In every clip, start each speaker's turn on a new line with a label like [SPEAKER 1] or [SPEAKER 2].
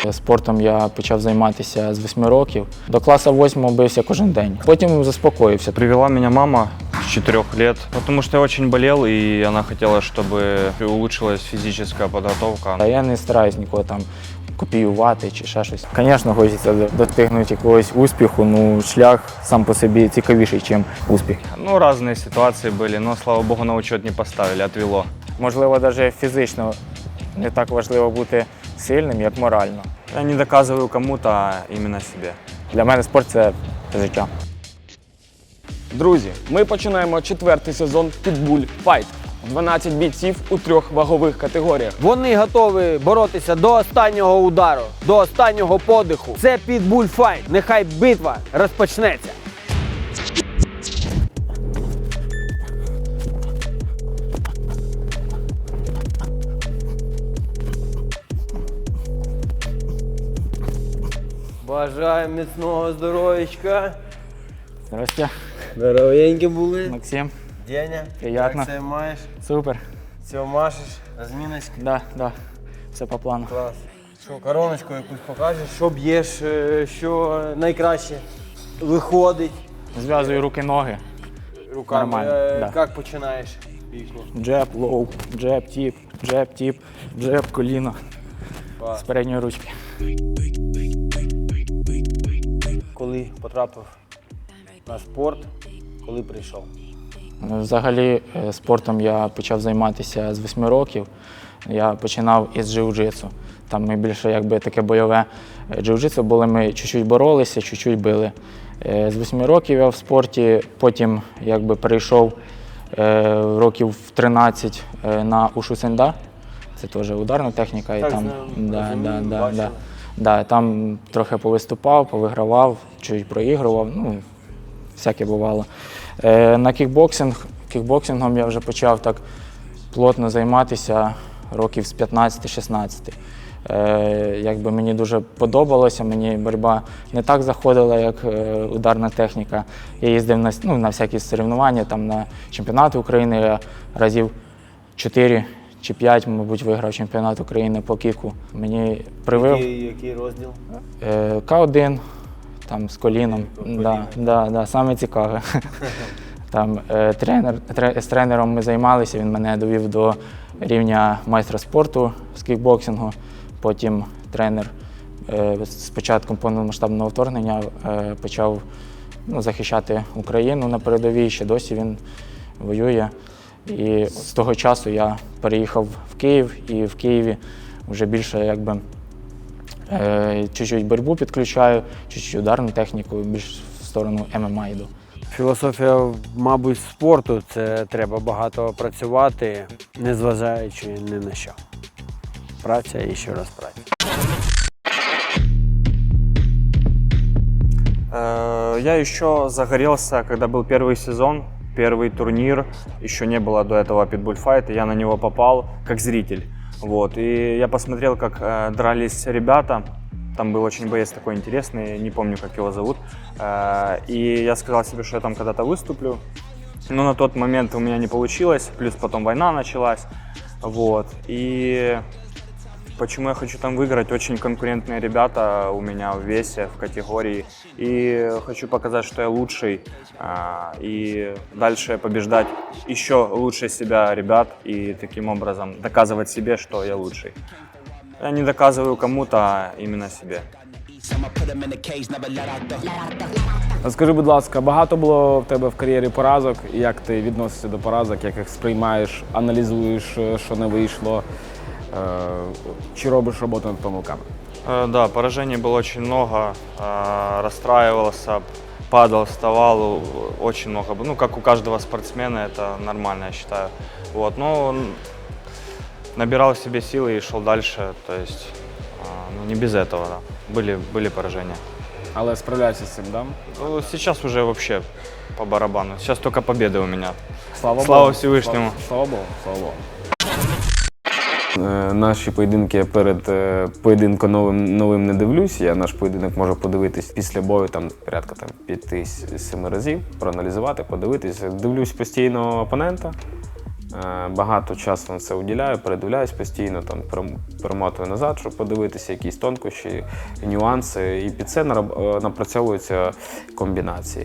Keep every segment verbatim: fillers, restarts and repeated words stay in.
[SPEAKER 1] Спортом я почав займатися з восьми років. До класу восьмого бився кожен день. Потім заспокоївся.
[SPEAKER 2] Привела меня мама с четырёх лет, потому что я очень болел, и она хотела, чтобы улучшилась физическая подготовка.
[SPEAKER 1] А я не стараюсь нікого там копіювати чи ще щось. Звісно, хочеться достигнути якогось успіху, ну шлях сам по собі цікавіший, ніж успіх.
[SPEAKER 2] Ну, разные ситуации были, но, слава богу, на учет не поставили, отвело.
[SPEAKER 1] Можливо, навіть фізично не так важливо бути сильним, як морально.
[SPEAKER 2] Я не доказываю кому-то, а именно себе.
[SPEAKER 1] Для мене спорт – це життя.
[SPEAKER 3] Друзі, ми починаємо четвертий сезон Pitbull Fight. дванадцять бійців у трьох вагових категоріях.
[SPEAKER 4] Вони готові боротися до останнього удару, до останнього подиху. Це Pitbull Fight. Нехай битва розпочнеться. Бажаю міцного здоров'ячка.
[SPEAKER 1] Здрасте.
[SPEAKER 4] Здоровенькі були.
[SPEAKER 1] Максим.
[SPEAKER 4] Деня,
[SPEAKER 1] Приятно.
[SPEAKER 4] як це маєш?
[SPEAKER 1] Супер.
[SPEAKER 4] Все, машеш, розміночка.
[SPEAKER 1] Да, да. Все по плану.
[SPEAKER 4] Клас. Що, короночку якусь покажеш? Що б'єш, е, що найкраще виходить
[SPEAKER 1] Зв'язую руки-ноги.
[SPEAKER 4] руками.
[SPEAKER 1] Нормально,
[SPEAKER 4] Е,
[SPEAKER 1] да.
[SPEAKER 4] Як починаєш бійку?
[SPEAKER 1] Джеб, лоу, джеб, тіп, джеб, тіп, джеб, коліно.
[SPEAKER 4] Клас.
[SPEAKER 1] З передньої ручки.
[SPEAKER 4] Коли потрапив на спорт, коли прийшов?
[SPEAKER 1] Взагалі е, спортом я почав займатися з восьми років. Я починав із джиу-джитсу. Там ми більше якби таке бойове джиу-джитсу були, ми чуть-чуть боролися, чуть-чуть били. Е, З восьми років я в спорті, потім якби перейшов е, років в тринадцять е, на ушу сенда. Це теж ударна техніка. І
[SPEAKER 4] Так,
[SPEAKER 1] там,
[SPEAKER 4] знаю,
[SPEAKER 1] да,
[SPEAKER 4] розумію,
[SPEAKER 1] да, да,
[SPEAKER 4] бачили.
[SPEAKER 1] да, да, там трохи повиступав, повигравав, чуть проігрував, ну, всяке бувало. Е, На кікбоксинг, кікбоксингом я вже почав так плотно займатися років з п'ятнадцяти-шістнадцяти. Е, якби мені дуже подобалося, мені боротьба не так заходила, як е, ударна техніка. Я їздив на, ну, на всякі соревнування, там на чемпіонати України, я разів чотири чи п'ять, мабуть, виграв чемпіонат України по кіку. Мені привив
[SPEAKER 4] Який, який розділ?
[SPEAKER 1] е, К один, там з коліном. Да, да, да, саме цікаве. Там е, тренер, тре, з тренером ми займалися, він мене довів до рівня майстра спорту з кікбоксингу. Потім тренер е, з початком повномасштабного вторгнення е, почав ну, захищати Україну на передовій, ще досі він воює. І з того часу я переїхав в Київ, і в Києві вже більше якби е, чуть-чуть боротьбу підключаю, чуть-чуть ударну техніку, більш в сторону ем ем а йду.
[SPEAKER 4] Філософія, мабуть, спорту – це треба багато працювати, незважаючи ні на що. Праця і ще раз праця.
[SPEAKER 2] Э, Я еще загорелся, когда был первый сезон, первый турнир. Еще не было до этого Pitbull Fight, и я на него попал как зритель. Вот. И я посмотрел, как э, дрались ребята. Там был очень боец такой интересный, не помню, как его зовут. Э, И я сказал себе, что я там когда-то выступлю. Но на тот момент у меня не получилось, плюс потом война началась. Вот. И почему я хочу там выиграть? Очень конкурентные ребята у меня в весе, в категории. И хочу показать, что я лучший. а, И дальше побеждать еще лучше себя ребят. И таким образом доказывать себе, что я лучший. Я не доказываю кому-то, а именно себе.
[SPEAKER 3] Скажи, будь ласка, багато було в тебе в кар'єрі поразок? Як ти відносишся до поразок, як їх сприймаєш, аналізуєш, що не вийшло? Е, Чи робиш роботу над помилками?
[SPEAKER 2] Э, Да, поражений было очень много, э, расстраивался, падал, вставал, очень много. Ну, как у каждого спортсмена, это нормально, я считаю. Вот, но набирал в себе силы и шел дальше, то есть э, ну, не без этого, да. Были, были поражения.
[SPEAKER 3] Але справляєшся з цим, да?
[SPEAKER 2] Ну, сейчас уже вообще по барабану, сейчас только победы у меня.
[SPEAKER 3] Слава,
[SPEAKER 2] Слава
[SPEAKER 3] Богу.
[SPEAKER 2] Всевишньому.
[SPEAKER 3] Слава, слава Богу, слава Богу. Наші поєдинки перед е, поєдинком новим, новим не дивлюсь. Я наш поєдинок можу подивитись після бою, там порядка там, п'яти-семи разів, проаналізувати, подивитись. Дивлюсь постійно опонента, Е, Багато часу на це уділяю, передивляюсь постійно, там перем- перемотую назад, щоб подивитися якісь тонкощі, нюанси. І під це нараб- е, напрацьовуються комбінації.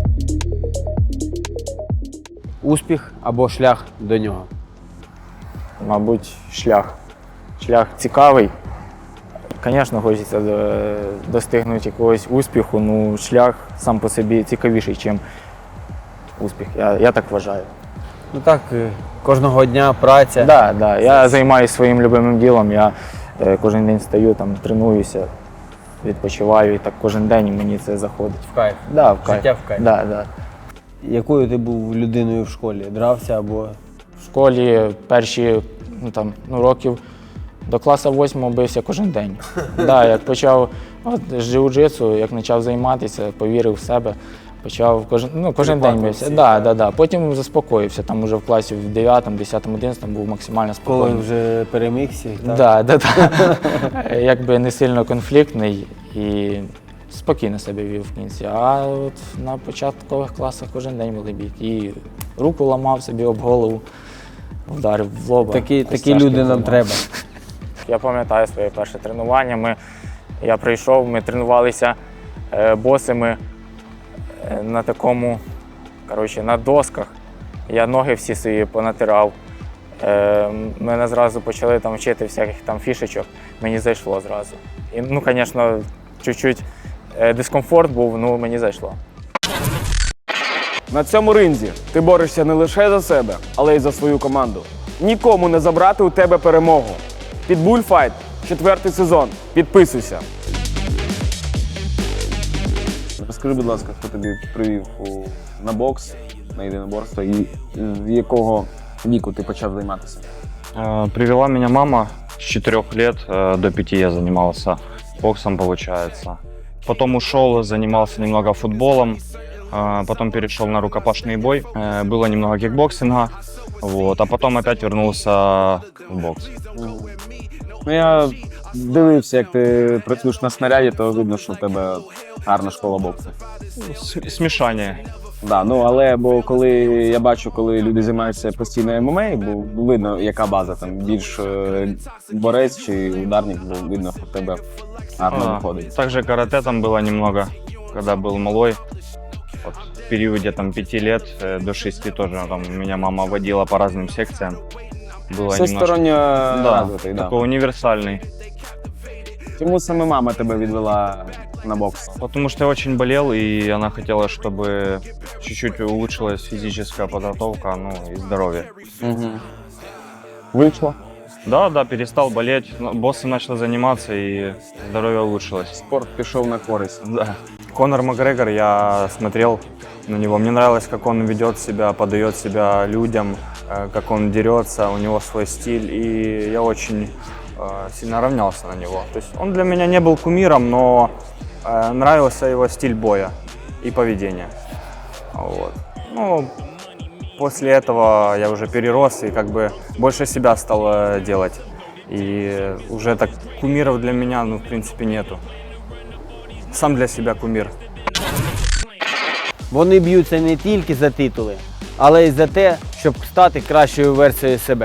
[SPEAKER 4] Успіх або шлях до нього.
[SPEAKER 1] Мабуть, шлях. Шлях цікавий. Звісно, хочеться до- достигнути якогось успіху, ну шлях сам по собі цікавіший, ніж успіх. Я, я так вважаю.
[SPEAKER 4] Ну так, е, кожного дня праця.
[SPEAKER 1] Да, да. Я займаюся своїм любимим ділом. Я е, кожен день стаю, там, тренуюся, відпочиваю і так кожен день мені це заходить.
[SPEAKER 4] В кайф.
[SPEAKER 1] Да, в кайф.
[SPEAKER 4] Життя в кайф.
[SPEAKER 1] Да, да.
[SPEAKER 4] Якою ти був людиною в школі? Дрався або
[SPEAKER 1] В школі перші ну, там, ну, років до класу восьмого бився кожен день. Да, як почав от, з джиу-джитсу, як почав займатися, повірив в себе, почав кожен, ну, кожен день бився. Да, да, да. Потім заспокоївся, там уже в класі в дев'ятому, десятому, одинадцятому був максимально
[SPEAKER 4] коли
[SPEAKER 1] спокійний.
[SPEAKER 4] вже перемігся? Так?
[SPEAKER 1] Да, да, да. Якби не сильно конфліктний і спокійно себе вів в кінці. А от на початкових класах кожен день були бійки. І руку ламав собі об голову, вдарив в лоба.
[SPEAKER 4] Такі, такі
[SPEAKER 1] костяшки
[SPEAKER 4] люди нам
[SPEAKER 1] зламав.
[SPEAKER 4] треба.
[SPEAKER 1] Я пам'ятаю своє перше тренування. Ми, я прийшов, ми тренувалися е, босими е, на такому, коротше, на досках. Я ноги всі свої понатирав. Е, мене зразу почали там вчити всяких там фішечок, мені зайшло зразу. І, ну, звісно, чуть-чуть е, дискомфорт був, ну мені зайшло.
[SPEAKER 3] На цьому ринзі ти борешся не лише за себе, але й за свою команду. Нікому не забрати у тебе перемогу. Pitbull Fight, четвертий сезон. Підписуйся. Розкажи, будь ласка, хто тобі привів у, на бокс, на єдиноборство, і з якого віку ти почав займатися?
[SPEAKER 2] Э, Привела меня мама с четырёх лет, э, до пяти я занимался боксом, получается. Потом ушел, занимался немного футболом, э, потом перешел на рукопашный бой. Э, Было немного кикбоксинга, вот, а потом опять вернулся в бокс.
[SPEAKER 3] Ну, я дивився, як ти працюєш на снаряді, то видно, що в тебе гарна школа боксу.
[SPEAKER 2] С- Смешание.
[SPEAKER 3] Да, ну але бо коли я бачу, коли люди займаються постійно ем ем а, бо видно, яка база там більш е, борець чи ударник, бо видно, що в тебе гарно
[SPEAKER 2] А,
[SPEAKER 3] виходить.
[SPEAKER 2] Также карате там было немного, когда был малой. Вот, в периоде там пяти лет э, до шести тоже там меня мама водила по разным секциям. Было
[SPEAKER 3] Всесторонньо
[SPEAKER 2] да,
[SPEAKER 3] развитий, да.
[SPEAKER 2] такой универсальный.
[SPEAKER 3] Чому саме мама тебе відвела на бокс?
[SPEAKER 2] Потому что я очень болел, и она хотела, чтобы чуть-чуть улучшилась физическая подготовка, ну и здоровье.
[SPEAKER 3] Угу. Вийшло?
[SPEAKER 2] Да, да, перестал болеть, но боссом начал заниматься, и здоровье улучшилось.
[SPEAKER 3] Спорт пішов на користь.
[SPEAKER 2] Да. Конор Макгрегор, я смотрел на него, мне нравилось, как он ведет себя, подает себя людям, э, как он дерется, у него свой стиль, и я очень э, сильно равнялся на него. То есть он для меня не был кумиром, но э, нравился его стиль боя и поведения. Вот. Ну, после этого я уже перерос и как бы больше себя стал э, делать. И уже так кумиров для меня, ну, в принципе, нету. Сам для себя кумир.
[SPEAKER 4] Вони б'ються не тільки за титули, але й за те, щоб стати кращою версією себе.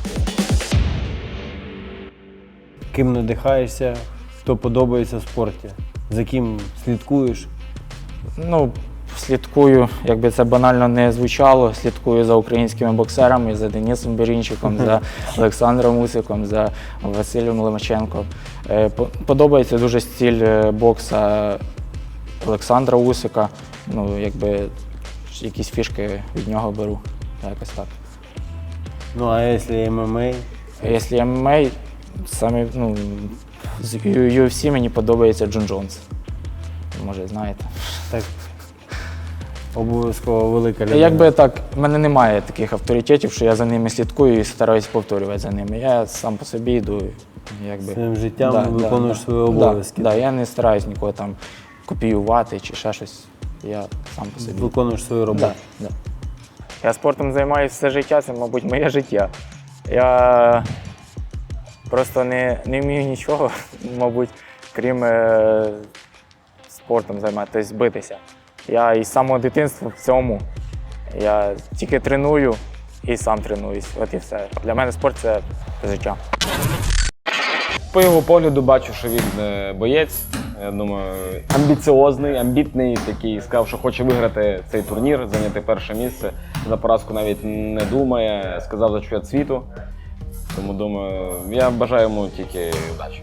[SPEAKER 4] Ким надихаєшся, хто подобається в спорті, за ким слідкуєш?
[SPEAKER 1] Ну, слідкую, якби це банально не звучало, слідкую за українськими боксерами, за Денисом Берінчиком, за Олександром Усиком, за Василем Ломаченком. Е, по- Подобається дуже стиль е, бокса Олександра Усика. Ну, якби якісь фішки від нього беру. Якось так.
[SPEAKER 4] Ну а якщо ем ем а?
[SPEAKER 1] А Якщо ем ем а, саме, ну, з ю еф сі мені подобається Джон Джонс. Може, знаєте.
[SPEAKER 4] Так, обов'язково велика людина.
[SPEAKER 1] Якби так, в мене немає таких авторитетів, що я за ними слідкую і стараюсь повторювати за ними. Я сам по собі йду. Якби.
[SPEAKER 4] Своїм життям виконуєш свої обов'язки.
[SPEAKER 1] Да, да, я не стараюсь нікого там копіювати чи ще щось. Я сам по собі.
[SPEAKER 4] Виконуєш свою роботу.
[SPEAKER 1] Да, да. Я спортом займаюся все життя, це, мабуть, моє життя. Я просто не, не вмію нічого, мабуть, крім е, спортом займатися, тобто битися. Я із самого дитинства в цьому. Я тільки треную і сам тренуюсь. От і все. Для мене спорт це життя.
[SPEAKER 3] По його погляду бачу, що він е, боєць. Я думаю, амбіціозний, амбітний, такий, сказав, що хоче виграти цей турнір, зайняти перше місце. За поразку навіть не думає, сказав за чемпіонат світу. Тому думаю, я бажаю йому тільки удачі.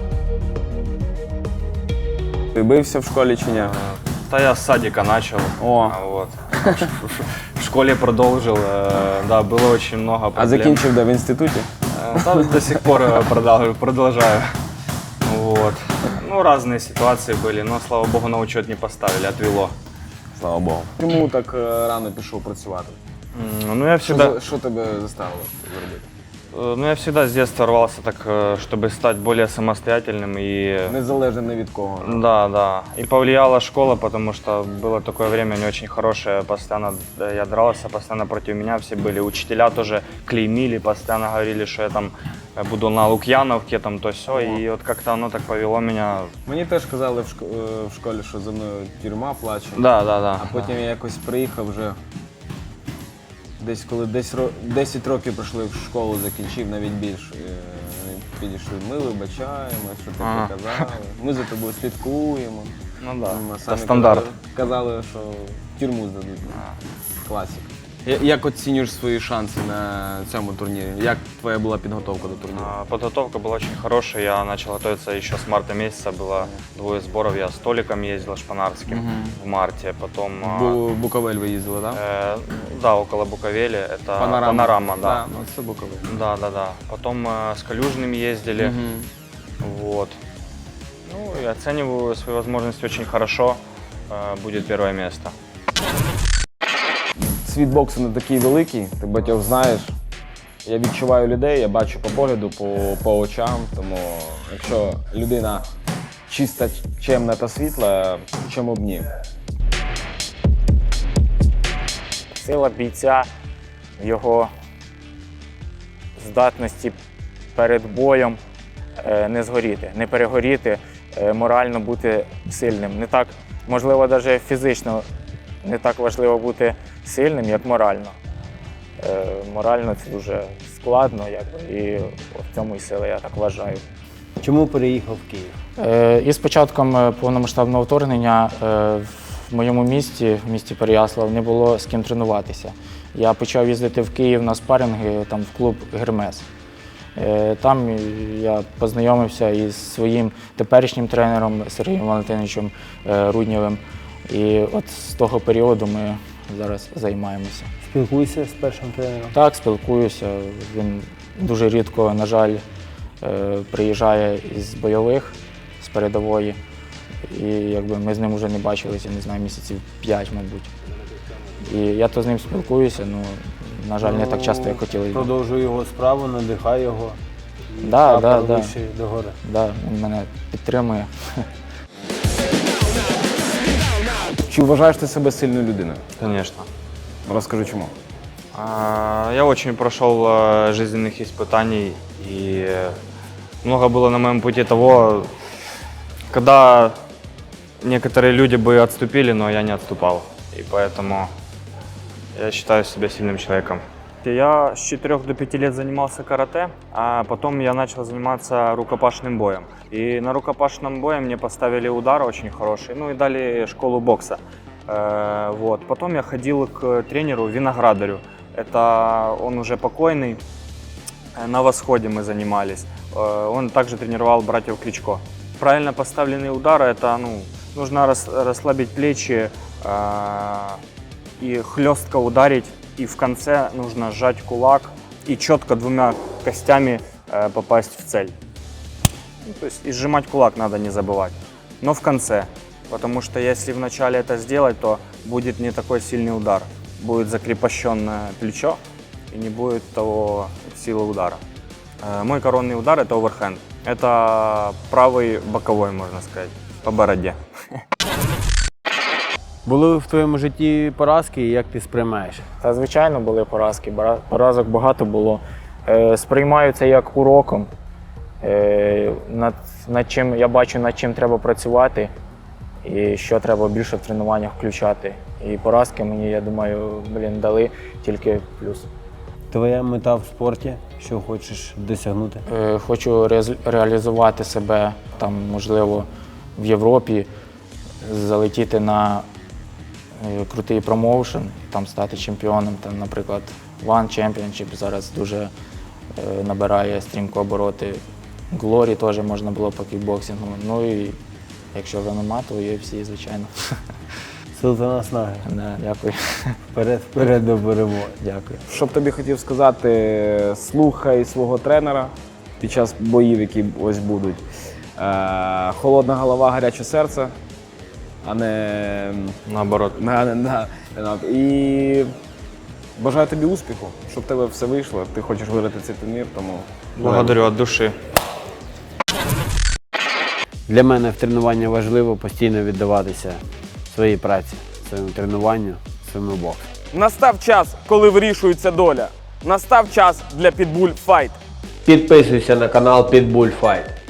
[SPEAKER 3] Ти бився в школі чи ні?
[SPEAKER 2] Да, я с садика начал.
[SPEAKER 3] О.
[SPEAKER 2] А, Вот. В школе продолжил. э, Да, было очень много
[SPEAKER 3] А
[SPEAKER 2] проблем.
[SPEAKER 3] закінчив де в інституті?
[SPEAKER 2] Э, да, до сих пор э, продолжаю. продолжаю. Вот. Ну, разные ситуации были, но, слава богу, на учет не поставили, отвело.
[SPEAKER 3] Слава Богу. Чому так е, рано пішов працювати?
[SPEAKER 2] М, Ну, я
[SPEAKER 3] Що,
[SPEAKER 2] всегда,
[SPEAKER 3] за- що тебе заставило зробити?
[SPEAKER 2] э, ну, я всегда с детства рвался так, э, чтобы стать более самостоятельным и...
[SPEAKER 3] Незалежно ні від кого.
[SPEAKER 2] Да, да. И повлияла школа, потому что было такое время не очень хорошее. Постоянно да, я дрался, постоянно против меня все были. Учителя тоже клеймили, постоянно говорили, что я там э, буду на Лукьяновке, там то все. И вот как-то оно так повело меня.
[SPEAKER 3] Мені теж казали в, шко- е, в школі, що за мною тюрма плаче.
[SPEAKER 2] Да, да, да.
[SPEAKER 3] А потім я якось приїхав вже. Десь коли десь ро- десять років пройшли в школу, закінчив, навіть більше. Е, Вони підійшли, ми вибачаємо, що ти
[SPEAKER 2] Ага.
[SPEAKER 3] казали. Ми за тобою слідкуємо.
[SPEAKER 2] Ну да.
[SPEAKER 3] Ми
[SPEAKER 2] Это
[SPEAKER 3] самі
[SPEAKER 2] стандарт.
[SPEAKER 3] Казали, казали, що тюрму здадуть. Класика. Як оцінюєш свої шанси на цьому турнірі? Як твоя була підготовка до турніру?
[SPEAKER 2] А, Подготовка была очень хорошая. Я начал готовиться еще с марта месяца. Было двое сборов. Я с Толиком ездил шпанарским в марте. Потом а,
[SPEAKER 3] Бу- Буковель ви їздили, так?
[SPEAKER 2] э, да, около Буковели. Это
[SPEAKER 3] Панорама.
[SPEAKER 2] панорама, да.
[SPEAKER 3] Да, ну це Буковель.
[SPEAKER 2] Да, да, да. Потом э, с Калюжным ездили. Вот. Ну и оцениваю свои возможности очень хорошо. Э, будет первое место.
[SPEAKER 3] Світ боксу не такий великий, ти багатьох знаєш. Я відчуваю людей, я бачу по погляду, по, по очам. Тому якщо людина чиста, чемна та світла, чому б ні?
[SPEAKER 1] Сила бійця в його здатності перед боєм е, не згоріти, не перегоріти, е, морально бути сильним. Не так, можливо, навіть фізично не так важливо бути сильним, як морально. Е, Морально це дуже складно, якби, і в цьому і сила, я так вважаю.
[SPEAKER 4] Чому переїхав в Київ?
[SPEAKER 1] Е, І з початком е, повномасштабного вторгнення е, в моєму місті, в місті Переяслав, не було з ким тренуватися. Я почав їздити в Київ на спаринги, там в клуб «Гермес». Е, Там я познайомився із своїм теперішнім тренером Сергієм Валентиновичем е, Руднєвим. І от з того періоду ми зараз займаємося.
[SPEAKER 4] Спілкуйся з першим тренером.
[SPEAKER 1] Так, спілкуюся. Він дуже рідко, на жаль, е, приїжджає із бойових, з передової. І якби ми з ним вже не бачилися, не знаю, місяців п'ять, мабуть. І я то з ним спілкуюся, ну, на жаль, не так часто, як хотілося.
[SPEAKER 4] Продовжуй його справу, надихай його. І
[SPEAKER 1] Да,
[SPEAKER 4] прапор
[SPEAKER 1] да, да.
[SPEAKER 4] вище догори.
[SPEAKER 1] Да, він мене підтримує.
[SPEAKER 3] Чи вважаєш ти себе сильною людиною?
[SPEAKER 2] Конечно.
[SPEAKER 3] Розкажи чому.
[SPEAKER 2] А, Я очень прошел э, жизненных испытаний, и много было на моем пути того, когда некоторые люди бы отступили, но я не отступал. И поэтому я считаю себя сильным человеком. Я с четырёх до пяти лет занимался карате, а потом я начал заниматься рукопашным боем. И на рукопашном бое мне поставили удар очень хороший, ну и дали школу бокса. Э, Вот. Потом я ходил к тренеру Виноградарю. Это он уже покойный. Э, На Восходе мы занимались. Э, Он также тренировал братьев Кличко. Правильно поставленный удар – это ну, нужно рас, расслабить плечи э, и хлестко ударить. И в конце нужно сжать кулак и четко двумя костями э, попасть в цель. Ну, то есть и сжимать кулак надо не забывать. Но в конце. Потому что если вначале это сделать, то будет не такой сильный удар. Будет закрепощенное плечо и не будет того силы удара. Э, Мой коронный удар – это оверхенд. Это правый боковой, можно сказать, по бороде.
[SPEAKER 4] Були в твоєму житті поразки, і як ти сприймаєш?
[SPEAKER 1] Та, звичайно, були поразки, бара- поразок багато було. Е, Сприймаю це як уроком, е, над, над чим, я бачу, над чим треба працювати і що треба більше в тренуваннях включати. І поразки мені, я думаю, блін, дали тільки плюс.
[SPEAKER 4] Твоя мета в спорті, що хочеш досягнути?
[SPEAKER 1] Е, Хочу реаз- реалізувати себе там, можливо, в Європі, залетіти на е, крутий промоушен, там стати чемпіоном. Там, наприклад, One Championship зараз дуже е, набирає стрімко обороти. Глорі теж можна було по кікбоксингу. Ну і якщо в ем ем а, то ю еф сі, звичайно.
[SPEAKER 4] Сил та наснаги.
[SPEAKER 1] Да, дякую.
[SPEAKER 4] Вперед, вперед до перемоги.
[SPEAKER 1] Дякую.
[SPEAKER 3] Що б тобі хотів сказати, слухай свого тренера під час боїв, які ось будуть. Е, холодна голова, гаряче серце, а не
[SPEAKER 2] Наоборот.
[SPEAKER 3] на, на, на, на- І бажаю тобі успіху, щоб в тебе все вийшло. Ти хочеш виграти цей турнір, тому
[SPEAKER 2] Благодарю от души.
[SPEAKER 4] Для мене в тренуванні важливо постійно віддаватися своїй праці, своєму тренуванню, своєму боксу.
[SPEAKER 3] настав час, коли вирішується доля. Настав час для Pitbull Fight.
[SPEAKER 4] Підписуйся на канал Pitbull Fight.